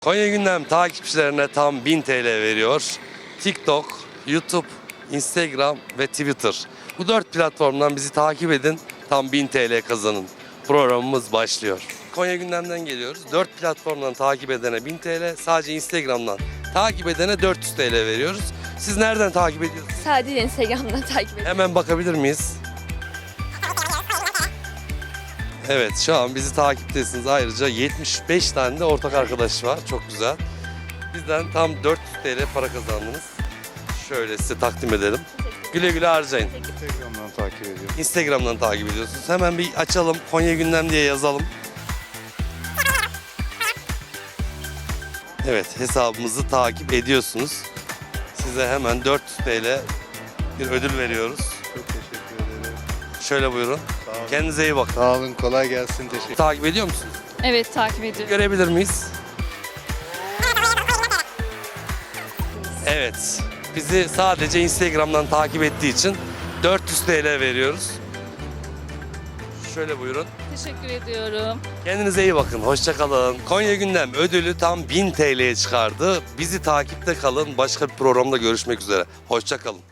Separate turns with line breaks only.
Konya Gündem takipçilerine tam 1000 TL veriyor. TikTok, YouTube, Instagram ve Twitter. Bu 4 platformdan bizi takip edin. Tam 1000 TL kazanın. Programımız başlıyor. Konya Gündem'den geliyoruz. 4 platformdan takip edene 1000 TL, sadece Instagram'dan takip edene 400 TL veriyoruz. Siz nereden takip ediyorsunuz?
Sadece Instagram'dan takip ediyorum.
Hemen bakabilir miyiz? Evet, şu an bizi takiptesiniz. Ayrıca 75 tane de ortak arkadaş var. Çok güzel. Bizden tam 400 TL para kazandınız. Şöyle size takdim edelim. Güle güle harcayın.
Instagram'dan takip ediyorum.
Instagram'dan takip ediyorsunuz. Hemen bir açalım. Konya Gündem diye yazalım. Evet, hesabımızı takip ediyorsunuz. Size hemen 400 TL bir ödül veriyoruz.
Çok teşekkür ederim.
Şöyle buyurun.
Sağ olun.
Kendinize iyi bakın.
Sağ olun, kolay gelsin. Teşekkür
Takip ediyor musunuz?
Evet, takip ediyorum.
Görebilir miyiz? Evet. Bizi sadece Instagram'dan takip ettiği için 400 TL veriyoruz. Şöyle buyurun.
Teşekkür ediyorum.
Kendinize iyi bakın. Hoşça kalın. Konya Gündem ödülü tam 1000 TL'ye çıkardı. Bizi takipte kalın. Başka bir programda görüşmek üzere. Hoşça kalın.